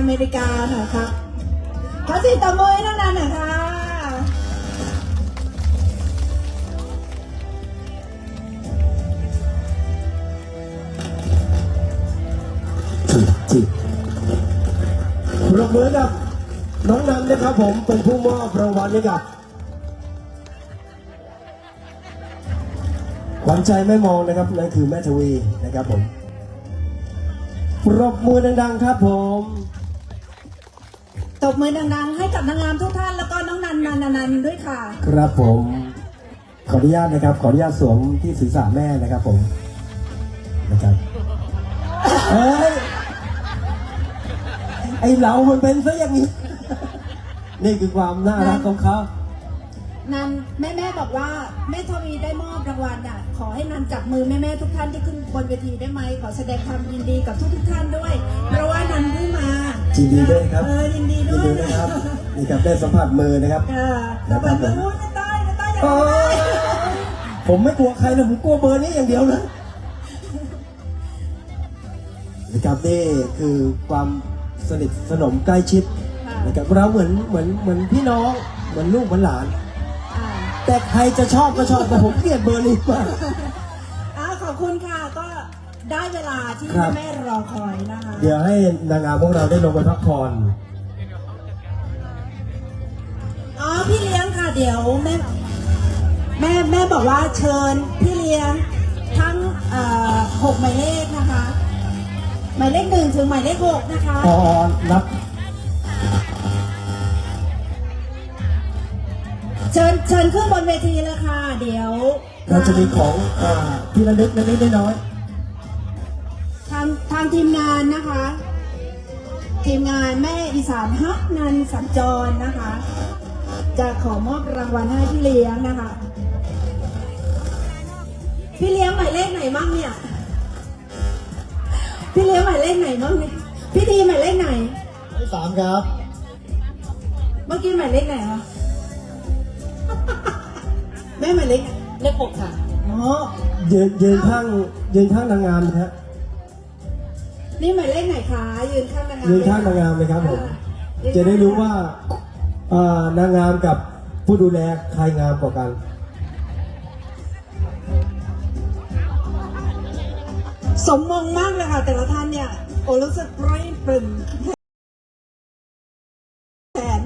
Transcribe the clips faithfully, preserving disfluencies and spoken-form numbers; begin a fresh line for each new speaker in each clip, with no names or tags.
อเมริกาหน่อยครับขอเสียงตบมือให้น้องนันหน่อยค่ะ
จิปรบมือกับน้องนันนะครับผมเป็นผู้มอบรางวัลให้กับขวัญใจแม่มองนะครับนั่นคือแม่ทวีนะครับผมปรบมือดังๆครับผม
ตบมือดังๆให้กับนางงามทุกท่านแล้วก็น้องนันนันนันด้วยค่ะ
ครับผมขออนุญาตนะครับขออนุญาตสวมที่ศีรษะแม่นะครับผมนะครับเอ้ยไอเรามันเป็นซะอย่างนี้นี่คือความน่ารักของเขา
นันแม่แม่บอกว่าแม่ทวีได้มอบรางวัลอ่ะขอให้นันจับมือแม่แม่ทุกท่านที่ขึ้นบนเวทีได้ไหมขอแสดงความยินดีกับทุกทุกท่านด้วยเพราะว่านันเพิ่งมา
ยินดีด้วยครับ
เออยินดีด้วย
นะครับนี่ครับได้สัมผัสมือนะครับ
เออสัมผัสมืออุ้ยไม่ได้ไม่ได้ยังไง
ผมไม่กลัวใครนะผมกลัวเบอร์นี้อย่างเดียวนะนะครับนี่คือความสนิทสนมใกล้ชิดนะครับเราเหมือนเหมือนเหมือนพี่น้องเหมือนลูกเหมือนหลานแต่ใครจะชอบก็ชอบแต่ผมเกลียดเบอร์นี้มาก
ขอบคุณค่ะก็ได้เวลาที่แม่รอคอยนะคะ
เดี๋ยวให้นางงามพวกเราได้ลงไปพักผ่อน
อ๋อพี่เลี้ยงค่ะเดี๋ยวแม่แม่แม่บอกว่าเชิญพี่เลี้ยงทั้งหกหมายเลขนะคะหมายเลขหนึ่งถึงหมายเลขหกนะคะ
อ๋อนับ
เชิญเชิญขึ้นบนเวทีเลยค่ะเดี๋ยว
เราจะมีของที่ระลึกเล็กๆน้อย
ทางทางทีมงานนะคะทีมงานแม่อีสานฮักนันสัญจรนะคะจะขอมอบรางวัลให้พี่เลี้ยงนะคะพี่เลี้ยงหมายเลขไหนมั่งเนี่ยพี่เลี้ยงหมายเลขไหนมั่งเนี่ยพี่ทีหมายเลขไหน
หมายสามครับ
เมื่อกี้หมายเลขไหนคะแม่หมายเลขเลขหกค่ะอ๋อ
ยืนยืนข้างยืนข้างนางงามนะฮะ
นี่หมายเลขไหนคะยืนข้างนางงาม
ยืนข้างนางงามเลยครับผมจะได้รู้ว่านางงามกับผู้ดูแลใครงามกว่ากัน
สมมงมากเลยค่ะแต่ละท่านเนี่ยโอ้รู้สึกร้อยปริ่มแทน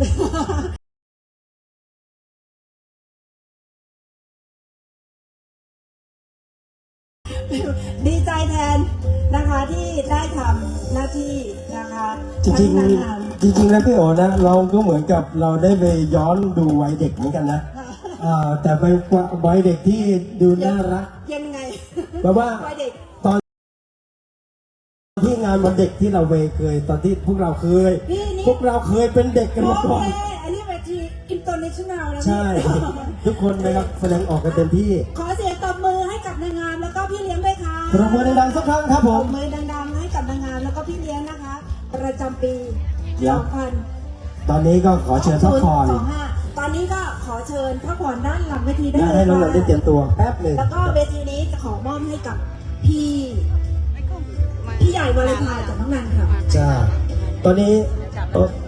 ดีใจแทนนะคะที่ได้ทำหน้าที่นะคะ
จริงๆจริงๆแล้วพี่โอนะเราก็เหมือนกับเราได้ไปย้อนดูวัยเด็กเหมือนกันนะแต่ไปวัยเด็กที่ดูน่ารัก
ยังไง
แบบว่าตอนที่งานวันเด็กที่เราเคยตอนที่พวกเราเคยพวกเราเคยเป็นเด็กกันมาก่อน
อันนี้เวทีอินเตอร์เนชั่นแนลแล้ว
ใช่ทุกคนนะครับแสดงออกกันเต็มที่
ขอเสียงตบมือให้กับนางงามแล้วก็พี่เลี้ยงด้วยค่ะ
ปรบมือดังๆสักครั้งครับผม
ปรบมือดังๆให้กับนางงามแล้วก็พี่เลี้ยงนะคะประจำปีสองพัน
ตอนนี้ก็ขอเชิญพักผ่อน
ตอนนี้ก็ขอเชิญพักผ่อนด้านหลังเวทีได้
เลยให้น้องๆได้เตรียมตัวแป๊บหนึ่ง
แล้วก็เวทีนี้จะขอมอบให้กับพี่พี่ใหญ่วาเลนไทน์จากน้องนันค่ะ
จ้าตอนนี้